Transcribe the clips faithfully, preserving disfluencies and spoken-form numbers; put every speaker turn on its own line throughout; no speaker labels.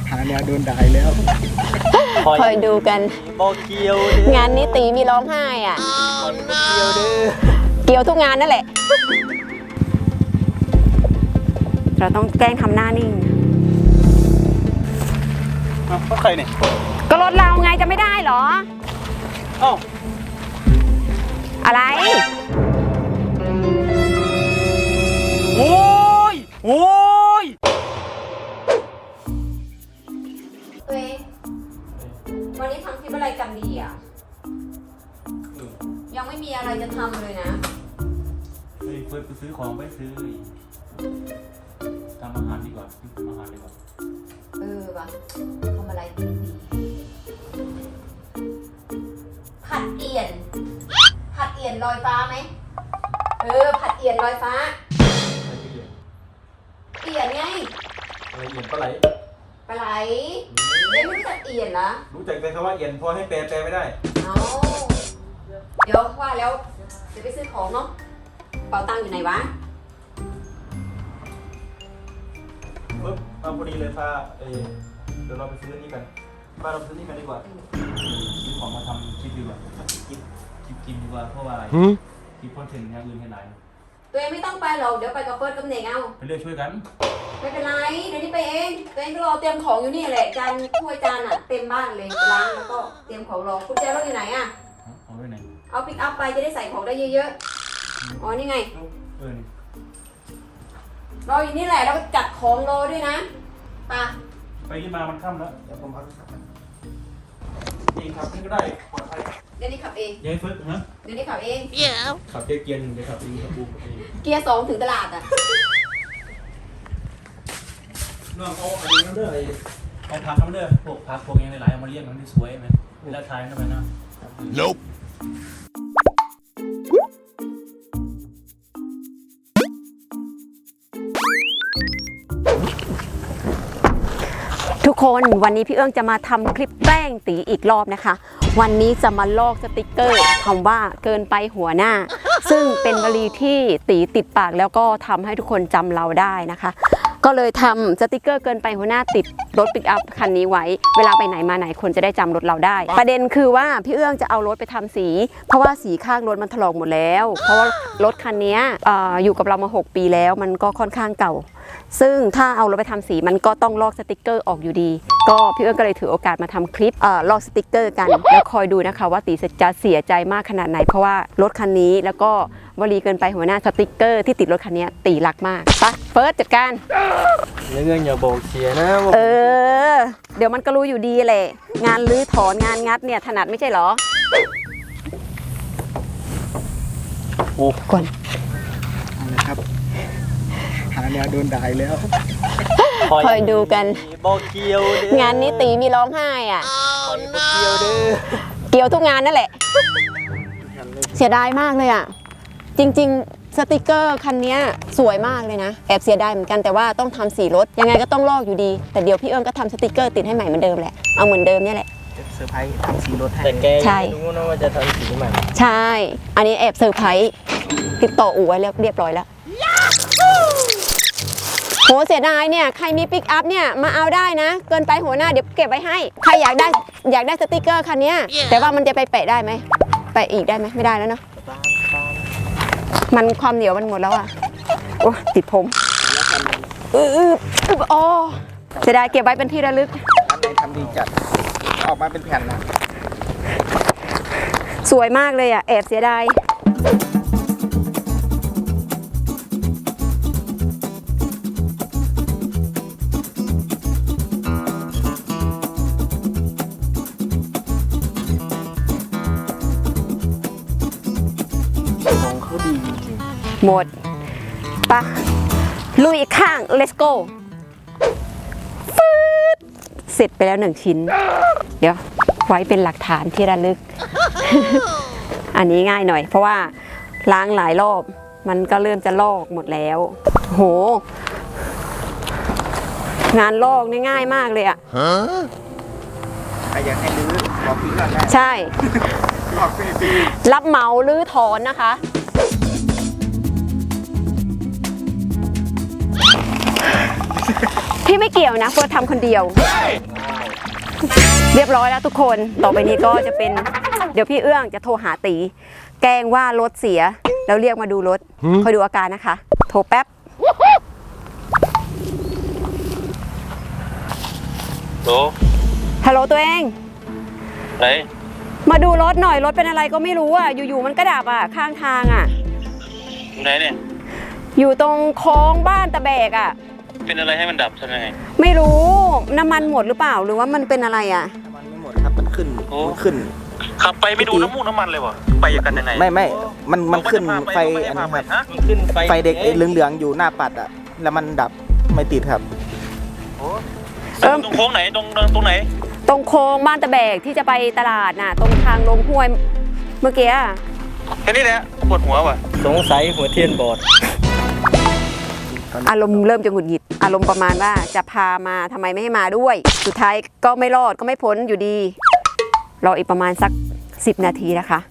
หาแนวโดนด่าแล้ว
คอยดูกัน
บอกเกียว
งานนี้ตีมีร้องไห้อ่ะ
เกียวเด้อ
เกี่ยวทุกงานนั่นแหละเราต้องแกล้งทำหน้านิ่ง
ก็ใครเนี่ย
ก็รถเราไงจะไม่ได้เหรอ
เอ้า
อะไร
โอ้ยโอ้ย
ตัวเองวันนี้ทำคลิปอะไรกันดีอ่ะยังไม่มีอะไรจะทำเลยนะ
เฮ้ยเฟิร์สไปซื้อของไปซื้อทำอาหารดีกว่าทำอาหารดีกว่า
เออวะทำอะไรดีผัดเอี่ยนผัดเอี่ยนลอยฟ้าไหมเออผัดเอี่ยนลอยฟ้าเอี่ยนไง
อะไรเอี่ยนปลาไหล
ปลาไหลเอ๊ะไม่รู้จักเอี่ยนเหรอ
รู้จักแต่คำว่าเอี่ยนพอให้แปลแปลไม่ได้
เอาเดี๋ยวว่าแล้วจะไปซื้อของเนาะเป๋าตังค์อยู่ไหนวะ
ปึ๊บเอาพอดีเลยพาเออเดี๋ยวเราไปซื้อนี่กันพาเราซื้อนี่กันดีกว่าซื้อของมาทำคลิปดีกว่าคลิปคลิปกินดีกว่าเพราะว่าอะไรคลิปคอนเทนต์อย่างอื่นแค่ไหน
ตัวเองไม่ต้องไปหรอกเดี๋ยวไปกับเฟิร์สกับเน่งเอา
ไปเรื่อยช่วยกัน
ไม่เป็นไรเดี๋ยวนี้ไปเองตัวเองก็รอเตรียมของอยู่นี่แหละจานถ้วยจานอ่ะเต็มบ้านเลยล้างแล้วก็เตรียมของรอกุญแจรถอยู่ไหนอ่ะ
เอาไว้ไหน
เอาปิกอัพไปจะได้ใส่ของได้เยอะๆอ๋อนี่ไง
เออ
รออยู่นี่แหละแล้วก็จัดของรอด้วยนะไป
ไปที่มามันค่ำแล้วเดี๋ยวผมพักสักวันเองขับนี่ก็ได้ปลอดภัย
เดี๋ยวนี้ขับเอง
ยังเฟิร์สฮะ
เดี๋ยวนี้ขับเอง
ขับเกียร์หนึ่งเดี๋ยวขับเองขับบูขับเอง
เกียร์สองถึงตลาดอ่ะ
น้องเอาอันนี้นั่นเด้อไอ้เอาผักนั่นเด้อพวกผักพวกยังหลายๆเอามาเลี้ยงมันได้สวยไหมแล้วทายนั่นไปนะ Nope
ทุกคนวันนี้พี่เอื้องจะมาทำคลิปแกล้งตีอีกรอบนะคะวันนี้จะมาลอกสติกเกอร์คำว่าเกินไปหัวหน้าซึ่งเป็นวลีที่ตีติดปากแล้วก็ทำให้ทุกคนจำเราได้นะคะก็เลยทำสติกเกอร์เกินไปหัวหน้าติดรถปิกอัพคันนี้ไว้เวลาไปไหนมาไหนคนจะได้จำรถเราได้ประเด็นคือว่าพี่เอื้องจะเอารถไปทำสีเพราะว่าสีข้างรถมันถลอกหมดแล้วเพราะว่ารถคันนี้ อ, อยู่กับเรามาหกปีแล้วมันก็ค่อนข้างเก่าซึ่งถ้าเอารถไปทำสีมันก็ต้องลอกสติกเกอร์ออกอยู่ดีก็พี่เอื้องก็เลยถือโอกาสมาทำคลิปลอกสติกเกอร์กันแล้วคอยดูนะคะว่าตีจะเสียใจมากขนาดไหนเพราะว่ารถคันนี้แล้วก็วลีเกินไปหัวหน้าสติกเกอร์ที่ติดรถคันนี้ตีรักมากไปเฟิร์สจัดการ
เรื่องอย่าบอกเสียนะ
เออเดี๋ยวมันก็รู้อยู่ดีแหละงานรื้อถอนงานงัดเนี่ยถนัดไม่ใช่หรอ
โอ้ก่อนนะครับหาแนวโดนด่าแล้ว
คอยดูกัน
บอกเกียวเด้อง
านนี้ตีมีร้องไห้อ่ะ
เกียวเด้อ
เกี่ยวทุกงานนั่นแหละเสียดายมากเลยอ่ะจริงๆสติกเกอร์คันนี้สวยมากเลยนะแอบเสียดายเหมือนกันแต่ว่าต้องทำสีรถยังไงก็ต้องลอกอยู่ดีแต่เดี๋ยวพี่เอิญก็ทำสติกเกอร์ติดให้ใหม่เหมือนเดิมแหละเอาเหมือนเดิมนี่แหละ
เซอร์ไพรส์ทำสีรถให้
แต่แกไม่
รู้นะว่าจะทำสีใหม่
ใช่อันนี้แอบเซอร์ไพรส์ติดต่ออู่ไว้แล้วเรียบร้อยแล้วโหเสียดายเนี่ยใครมีปิกอัพเนี่ยมาเอาได้นะเกินไปหัวหน้าเดี๋ยวเก็บไว้ให้ใครอยากได้อยากได้สติกเกอร์คันนี้แต่ว่ามันจะไปแปะได้ไหมแปะอีกได้ไหมไม่ได้แล้วเนาะมันความเหนียวมันหมดแล้วอ่ะโอ้ติดผมอืออืออ๋อเสียดายเก็บไว้เป็นที่ระลึก
อันไหนทำดีจัดออกมาเป็นแผ่นนะ
สวยมากเลยอ่ะแอบเสียดายหมดปะลุยอีกข้าง let's go ฟืดเสร็จไปแล้วหนึ่งชิ้นเดี๋ยวไว้เป็นหลักฐานที่ระลึก อันนี้ง่ายหน่อยเพราะว่าล้างหลายรอบมันก็เริ่มจะลอกหมดแล้วโหงานลอกนี่ง่ายมากเลยอะ
ใครอยากให้รื้อบอกพี่ก่อนได้
ใช่รับเหมารื้อถอนนะคะพี่ไม่เกี่ยวนะเฟิร์สทำคนเดียว เรียบร้อยแล้วทุกคนต่อไปนี้ก็จะเป็นเดี๋ยวพี่เอื้องจะโทรหาตีแกล้งว่ารถเสียแล้วเรียกมาดูรถคอยดูอาการนะคะโทรแป๊บ
โห
ฮัลโหลตัวเอง
ไหน
มาดูรถหน่อยรถเป็นอะไรก็ไม่รู้อ่ะอยู่ๆมันก็ดับอ่ะข้างทางอ่ะ
ไหนเนี่ย
อยู่ตรงโค้งบ้านตะแบกอ่ะ
เป็นอะไรให้มันดับทำยังไง
ไม่รู้น้ำมันหมดหรือเปล่าหรือว่ามันเป็นอะไรอ่ะ
น้ำมันไม่หมดครับมันขึ้น
โอ้
มันขึ้น
ขับไปไม่ดูน้ำมูกน้ำมันเลยวะไปกันยังไง
ไม่ไม่มันมันขึ้นไฟ
อั
อั
น
น
นี้
นี้
ค
ค
รั
รั
บบ มันขึ้นไฟ
ไฟเด็กเหลืองๆอยู่หน้าปัดอ่ะแล้วมันดับไม่ติดครับ
เออ
ตรงโค้งไหนตรงตรงไหน
ตรงโค้งบ้านตะแบกที่จะไปตลาดน่ะตรงทางลงห้วยเมื่อกี้อะ
แค่นี้แหละปวดหัวว่ะ
สงสัยหัวเทียนบอด
อารมณ์เริ่มจะหงุดหงิดอารมณ์ประมาณว่าจะพามาทำไมไม่ให้มาด้วย สุดท้ายก็ไม่รอดก็ไม่พ้นอยู่ดีรออีกประมาณสักสิบนาทีนะคะ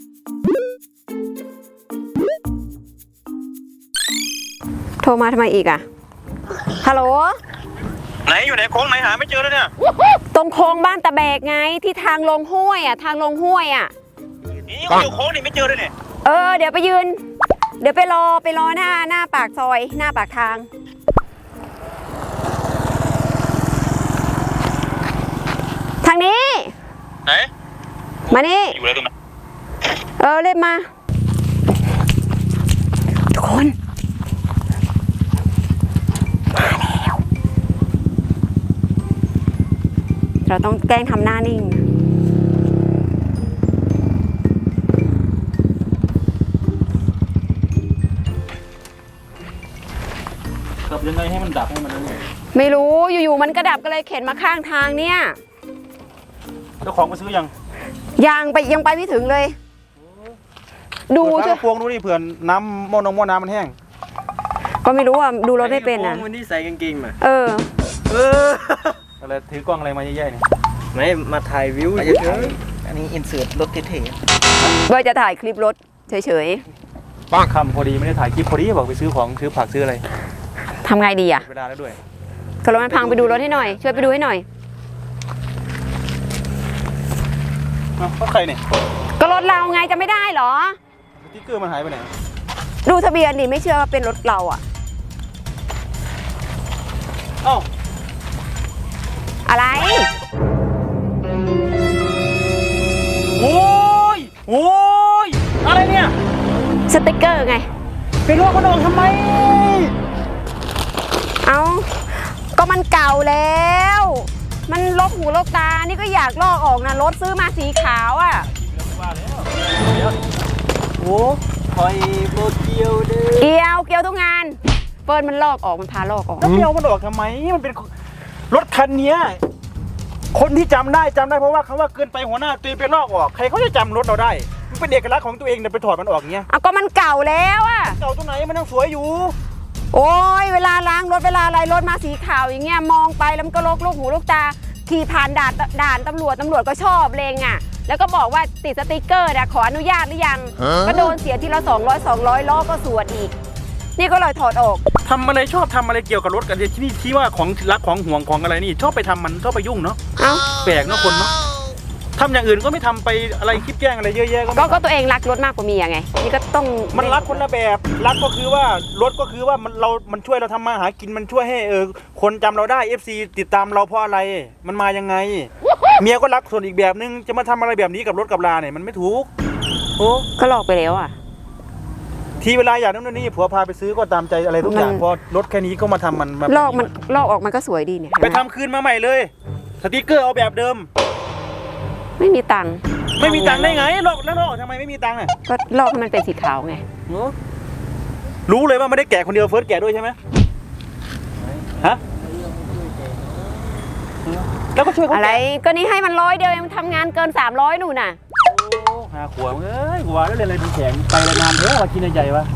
โทรมาทำไมอีกอะฮัลโหล
ไหนอยู่ไหนโค้งไหนหาไม่เจอแล้วเนี่ย
ตรงโค้งบ้านตะแบกไงที่ทางลงห้วยอะทางลงห้วยอะ
นี่ก็อยู่โค้งนี่ไม่เจอเลยเนี่ย
เออเดี๋ยวไปยืน เดี๋ยวไปรอไปรอหน้าหน้าปากซอยหน้าปากทางทางนี้
ไหน
มานี่
อยู่แล้วตรงนั้น
เออเรียบมาทุกคนมาแล้วเราต้องแกล้งทำหน้านิ่ง
ขับยังไงให้มันดับให้มันนั่นเนี่ย
ไม่รู้อยู่ๆมันกระดับก็เลยเข็นมาข้างทางเนี่ย
เจ้าของมาซื้อยัง
ยังไปยังไปไม่ถึงเลย ดู
เปิ
ช่วย
ฝาพวงดูนี่เผื่อน้ำหม้อนงหม้อน้ำมันแห้ง
ก็ไม่รู้อ่ะดูรถไม่เป็นอ่ะ
วันนี้ใส่กางเกงมา
เออ
เอออะไรถือกล้องอะไรมาเยอะแยะเนี่ย
ไม่มาถ่ายวิว
อัน
เฉ
นี้
ย
อันนี้อินเสิร์ตรถเท่
ว่าจะถ่ายคลิปรถเฉย
ป้าคำพอดีไม่ได้ถ่ายคลิปพอดีบอกไปซื้อของซื้อผักซื้ออะไร
ๆทำไงดีอ่ะ
เวลาแล้วด้วย
ก็รถมันพังไปดูรถให้หน่อย ช่วยไปดูให้หน่อย
อ้าวใครเนี่ย
ก็รถเราไงจะไม่ได้เหรอ
สติ๊กเกอร์มันหายไปไหน
ดูทะเบียนดิไม่เชื่อว่าเป็นรถเราอ่ะ
เอ้า
อะไร
โอ้ยโอ้ยอะไรเนี่ย
สติกเกอร์ไง
เป็นรถคนออกทำไม
เอาก็มันเก่าแล้ว มันลกหูลกตา นี่ก็อยากลอกออกนะรถซื้อมาสีขาวอ่ะ
ๆโอ้คอยโบเกียวเด้อ
เกี่ยวเกี่ยวทุกงานเฟิร์นมันลอกออกมันพาลอกออก
แล้วเดียวมันออกทำไมมันเป็นรถคันเนี้ยคนที่จำได้จำได้เพราะว่าคำว่าเกินไปหัวหน้าตีไปลอกออกใครเขาจะจำรถเราได้มันเป็นเอกลักษณ์ของตัวเองเนี่ยไปถอดมันออกอย่างเงี้ย
เอาก็มันเก่าแล้วอ่ะ
เก่าตรงไหนมันยังสวยอยู่
โอ้ยเวลาล้างรถเวลาอะไรรถมาสีขาวอย่างเงี้ยมองไปแล้วมันก็ลกลูกหูลูกตาขี่ผ่านด่านด่านตำรวจตำรวจก็ชอบเลงอ่ะแล้วก็บอกว่าติดสติกเกอร์นะขออนุญาตหรือยังก็โดนเสียทีละสองร้อยสองร้อยล้อก็สวดอีกนี่ก็เลยถอดออก
ทำอะไรชอบทำอะไรเกี่ยวกับรถกันที่นี่ที่ว่าของรักของห่วงของอะไรนี่ชอบไปทำมันชอบไปยุ่งเนาะ
เอ้า
แปลกเนาะคนเนาะทำอย่างอื่นก็ไม่ทำไปอะไรคลิปแกล้งอะไรเยอะแยะก็
ก็
ไม่
ก็ตัวเองรักรถมากกว่าเมียไงนี่ก็ต้อง
มันรักคนละแบบรักก็คือว่ารถก็คือว่ามันเรา มันช่วยเราทำมาหากินมันช่วยให้เออคนจำเราได้ เอฟ ซี ติดตามเราเพราะอะไรมันมายังไง เมียก็รักส่วนอีกแบบนึงจะมาทำอะไรแบบนี้กับรถกับลาเนี่ยมันไม่ถูกโอ้
ก็หลอกไปแล้วอ่ะ
ทีเวลาอยากนั่นนี่ผัวพาไปซื้อก็ตามใจอะไรทุกอย่าง
มัน
พอรถแค่นี้ก็มาทำมันมา
ลอกมันลอกออกมันก็สวยดีเนี่ย
ไปทำคืนมาใหม่เลยสติกเกอร์เอาแบบเดิม
ไม่มีตังค์
ไม่มีตังค์ได้ไงลอกแล้วลอกทำไมไม่มีตังค์อ่ะ
ก็ลอกให้มันเป็นสีขาวไง
รู้เลยว่าไม่ได้แกะคนเดียวเฟิร์สแกะด้วยใช่ไหมฮะแล้วก็ช่วยเขา
อะไร
แกะ
ก็นี่ให้มันร้อยเดียวเองมันทำงานเกินสามร้อยหนู่นน่ะ
หาขวบเอ้ยกูว่าแล้วเรียนอะไรดูแข็งไปเลยนานเถอะว่ากินในใจวะ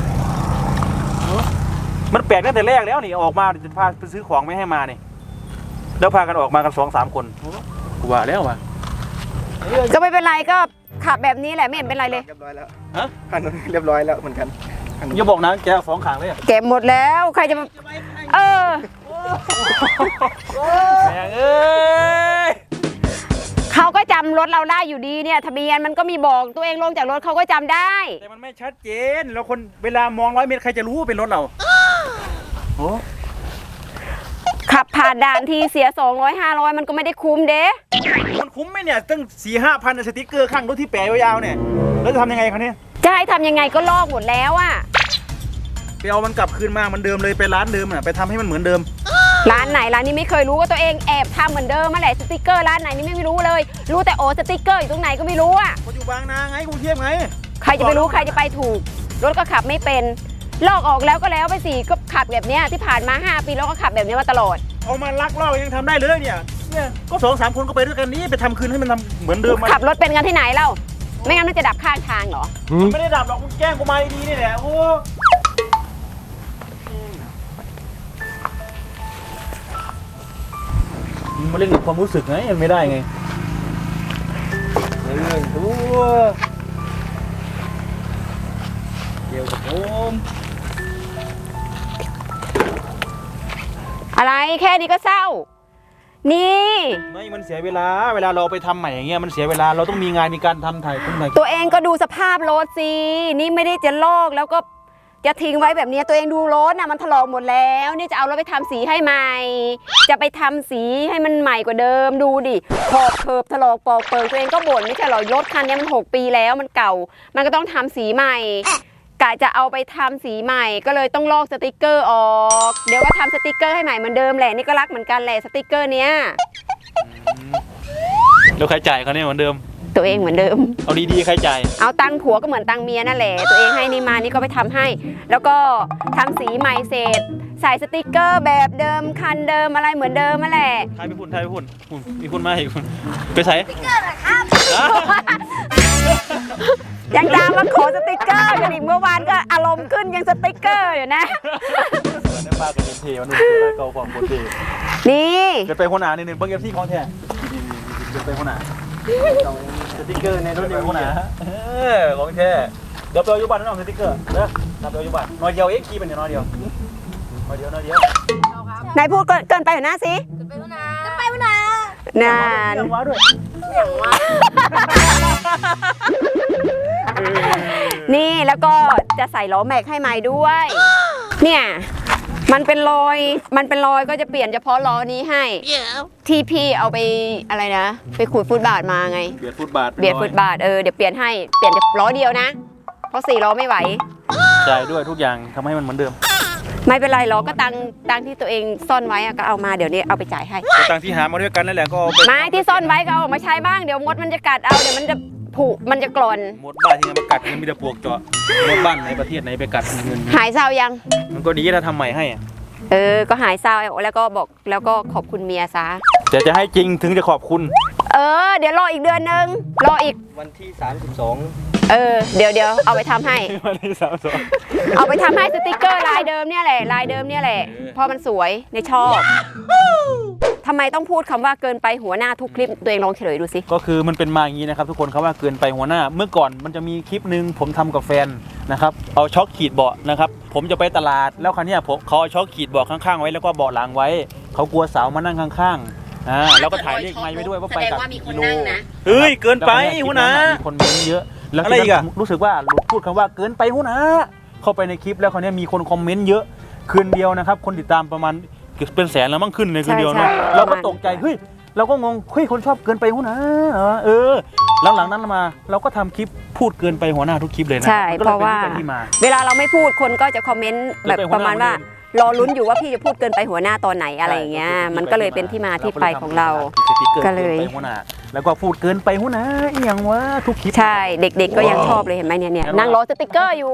มันแปลกตั้งแต่แรกแล้วนี่ออกมาจะพาไปซื้อของไม่ให้มานี่แล้วพากันออกมากันสองสามคนกูว่าแล้ววะ
ก็ไม่เป็นไรก็ขับแบบนี้แหละไม่เห็นเป็นไรเลย
ๆเรียบร้อยแล้ว
ฮะ
คันนู้นเรียบร้อยแล้วเหมือนกันคันนู้น
อย่าบอกนะแกเอาสองขางเลยอะ
เก็บหมดแล้วใครจะมาเออ
โอ้แม่งเอ้ย
เขาก็จำรถเราได้อยู่ดีเนี่ยทะเบียนมันก็มีบอกตัวเองลงจากรถเขาก็จำได้
แต่มันไม่ชัดเจนแล้วคนเวลามองร้อยเมตรใครจะรู้ว่าเป็นรถเราโอ้
ขับผ่านด่านทีเสียสองร้อยห้าร้อยมันก็ไม่ได้คุ้มเด้
มันคุ้มไหมเนี่ยตั้งสี่ห้าพันสติ๊กเกอร์ข้างรถที่แปะยาวๆเนี่ยแล้วจะทำยังไงคะเนี่ย
จะให้ทำยังไงก็ลอกหมดแล้วอะ
ไปเอามันกลับคืนมาเหมือนเดิมเลยไปร้านเดิมอ่ะไปทำให้มันเหมือนเดิม
ร้านไหนร้านนี้ไม่เคยรู้ว่าตัวเองแอบทำเหมือนเดิมมาแหละสติกเกอร์ร้านไหนนี่ไม่รู้เลย รู้แต่โอ้สติกเกอร์อยู่ตรงไหนก็ไม่รู้อะ
เขาอยู่บางนาไงกรุงเทพไง
ใครจะไปรู้ใครจะไปถูกรถก็ขับไม่เป็นลอกออกแล้วก็แล้วไปสิก็ขับแบบเนี้ยที่ผ่านมาห้าปีแล้วก็ขับแบบนี้มาตลอด
เอามาลักลอบยังทำได้เลยเนี่ยเนี่ยก็สองสามคนก็ไปด้วยกันนี้ไปทำคืนให้มันทำเหมือนเดิมมา
ขับรถเป็นกันที่ไหนเล่าไม่งั้นมันจะดับข้างทางเหรอ
มันไม่ได้ดับหรอกมึงแกล้งกูมาดีๆนี่แหละโอ้มึงมาเล่นกับความรู้สึกไงมันไม่ได้ไงเรื่องตัวเกี่ยวกับผม
อะไรแค่นี้ก็เศร้า นี่
ไม่มันเสียเวลาเวลาเราไปทำใหม่อย่างเงี้ยมันเสียเวลาเราต้องมีงานมีการทำถ่ายคนไหน
ตัวเองก็ดูสภาพรถสินี่ไม่ได้จะลอกแล้วก็จะทิ้งไว้แบบนี้ตัวเองดูรถน่ะมันถลอกหมดแล้วนี่จะเอารถไปทำสีให้ใหม่ จะไปทำสีให้มันใหม่กว่าเดิมดูดิขอบเคิบถลอกปอกเปิงตัวเองก็บ่นไม่ใช่หรอรถคันนี้มันหกปีแล้วมันเก่า มันก็ต้องทำสีใหม่กะจะเอาไปทำสีใหม่ก็เลยต้องลอกสติกเกอร์ออกเดี๋ยวก็ทำสติกเกอร์ให้ใหม่เหมือนเดิมแหละนี่ก็รักเหมือนกันแหละสติกเกอร์เนี้ย
แล้วใครจ่ายเขาเนี่ยเหมือนเดิม
ตัวเองเหมือนเดิม
เอาดีๆใครจ่าย
เอาตังค์ผัวก็เหมือนตังค์เมียนั่นแหละตัวเองให้นี่มานี่ก็ไปทำให้ แล้วก็ทำสีใหม่เสร็จใส่สติกเกอร์แบบเดิมคันเดิมอะไรเหมือนเดิมนั่นแหละ
ทายไปพุ่นทายไปพุ่นพุ่นมีพุ่นมาอีกพุ่นไปใส่
ยังตามมาขอสติกเกอร์กันอีกเมื่อวานก็อารมณ์ขึ้นยังสติกเกอร์อยู่นะ
วันนี้ป้ากับเอ็มเทวันนี้เจอเก่าของโคตรเท
นี่
เกิดไปหัวหน้านิดนึงเบิ้งเอฟซีของแท้เกิดไปหัวหน้าสติ๊กเกอร์ในรถเดียวหัวหน้าเออของแท้เดี๋ยวไปเอาอยู่บ้านนั่นเอาสติ๊กเกอร์เด้อนับไปเอาอยู่บ้านน้อยเดียวเอ็กคีเป็นน้อยเดียวน้อยเดียวน้อยเดียวน
ายพูดเกินเกินไปอยู่หน้าสิ
จะไปวนาจะไปวนา
นาน
เรื่องว้าด้วย
อย่างว่า
นี่แล้วก็จะใส่ล้อแม็กให้ใหม่ด้วย เนี่ยมันเป็นรอยมันเป็นรอยก็จะเปลี่ยนเฉพาะล้อนี้ให้ ที่พี่เอาไปอะไรนะไปขูดฟุตบาทมาไง
เบียดฟุตบาท
เบียดฟุตบาทเออเดี๋ยวเปลี่ยนให้เปลี่ยนล้อเดียวนะ เพราะสี่ล้อไม่ไหว
จ่ายด้วยทุกอย่างทำให้มันเหมือนเดิม
ไม่เป็นไรล้อก็ตังตังที่ตัวเองซ่อนไว้อะก็เอามาเดี๋ยวนี้เอาไปจ่ายให้
ตังที่หามาด้วยกันนั่นแหละก็เอาไป
ไม้ที่ซ่อนไว้ก็เอาออกมาใช้บ้างเดี๋ยวมดมันจะกัดเอาเดี๋ยวมันจะผุมันจะกร่อน
หมดบ้านที่ไหนมากัดเงินมีแต่ปลวกเจาะหมดบ้านไหนประเทศไหนไปกัดเงิน
หายเศร้ายัง
มันก็ดีถ้าทำใหม่ให้อะ
เออก็หายเศร้าแล้วก็บอกแล้วก็ขอบคุณเมียซะ
แต่จะให้จริงถึงจะขอบคุณ
เออเดี๋ยวรออีกเดือนนึงรออีก
วันที่สามสิบสอง
เออเดี๋ยวเดี๋ยวเอาไปทำให้
วันที่สามสอง
เอาไปทำให้สติกเกอร์ลายเดิมเนี่ยแหละลายเดิมเนี่ยแหละเพราะมันสวยในชอบทำไมต้องพูดคำว่าเกินไปหัวหน้าทุกคลิปตัวเองลองเฉลยดูสิ
ก็คือมันเป็นมาอย่างนี้นะครับทุกคนครับว่าเกินไปหัวหน้าเมื่อก่อนมันจะมีคลิปหนึ่งผมทำกับแฟนนะครับเอาช็อคขีดเบาะนะครับผมจะไปตลาดแล้วคราวเนี้ยผมเขาเอาช็อคขีดเบาะข้างๆไว้แล้วก็เบาะหลังไว้เขากลัวสาวมานั่งข้างๆอ่าแล้วก็ถ่ายเลขไม้ไว้ด้วยว่าไปกับกี่กิโลเฮ้ยเกินไปหัวหน้ามีคนเม้นเยอะแล้วอะไรอีกอะรู้สึกว่าพูดคำว่าเกินไปหัวหน้าเข้าไปในคลิปแล้วคราวเนี้ยมีคนคอมเมนต์เยอะคืนเดียวนะครับคนติดตามประมาณเป็นแสนแล้วมั่งขึ้นในคืนเดียวนะเราก็ตกใจเฮ้ยเราก็งงเฮ้ยคนชอบเกินไปหัวหน้าเออหลังๆนั้นมาเราก็ทำคลิปพูดเกินไปหัวหน้าทุกคลิปเลยนะ
ใช่เพราะว่าเวลาเราไม่พูดคนก็จะคอมเมนต์แบบประมาณว่ารอลุ้นอยู่ว่าพี่จะพูดเกินไปหัวหน้าตอนไหนอะไรอย่างเงี้ยมันก็เลยเป็นที่มาที่ไปของเราก็เลย
แล้วก็พูดเกินไปหัวหน้าอหย่างวะทุกคลิป
ใช่เด็กๆก็ยังชอบเลยเห็นไหมเนี่ยเนี่ยนั่งรอสติกเกอร์อยู่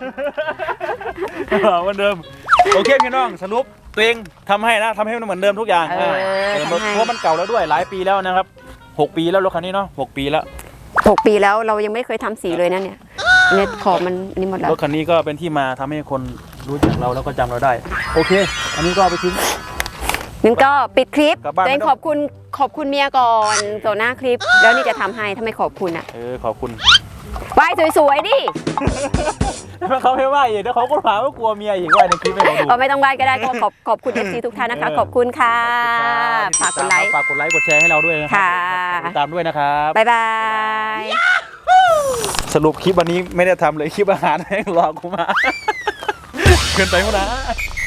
เหมือนเดิมโอเคพี่น้องสรุปตัวเองทำให้นะทำให้มันเหมือนเดิมทุกอย่าง
เออ
เออ
ทำให้
เพราะมันเก่าแล้วด้วยหลายปีแล้วนะครับหกปีแล้วรถคันนี้เนาะหกปีแล้ว
หกปีแล้วเรายังไม่เคยทำสีเลยนะเนี่ยเนี่ยขอบมันนี่หมดแล้ว
รถคันนี้ก็เป็นที่มาทำให้คนรู้จักเราแล้วก็จำเราได้โอเค อันนี้ก็เอาไปทิ้ง
งั้นก็ปิดคลิป
กลับบ้าน
ตัวเอง
ไม่ต้อง
ขอบคุณขอบคุณเมียก่อนต่อหน้าคลิป แล้วนี่จะทำให้ถ้าไม่ขอบคุณอ่ะ
เออขอบคุณ
ไหว้สวยๆดิ
ถ้าเขาไม่ว่าอีกเดี๋ยวเขาก็หาว่ากลัวเมียอีกว่าในคลิปไม่เขาดู
ก็ไม่ต้องไหว้ก็ได้ก็ขอบขอบคุณ เอฟ ซี ทุกท่านนะคะ ขอบคุณค่ะ ฝากกดไลค์
ฝากกดไลค์กดแชร์ให้เราด้วยนะครั
ค่ะ
ติดตามด้วยนะครับ
บ๊ายบาย
สรุปคลิปวันนี้ไม่ได้ทำเลยคลิปอาหารแห้งรอกูมา เกินไปมั้งนะ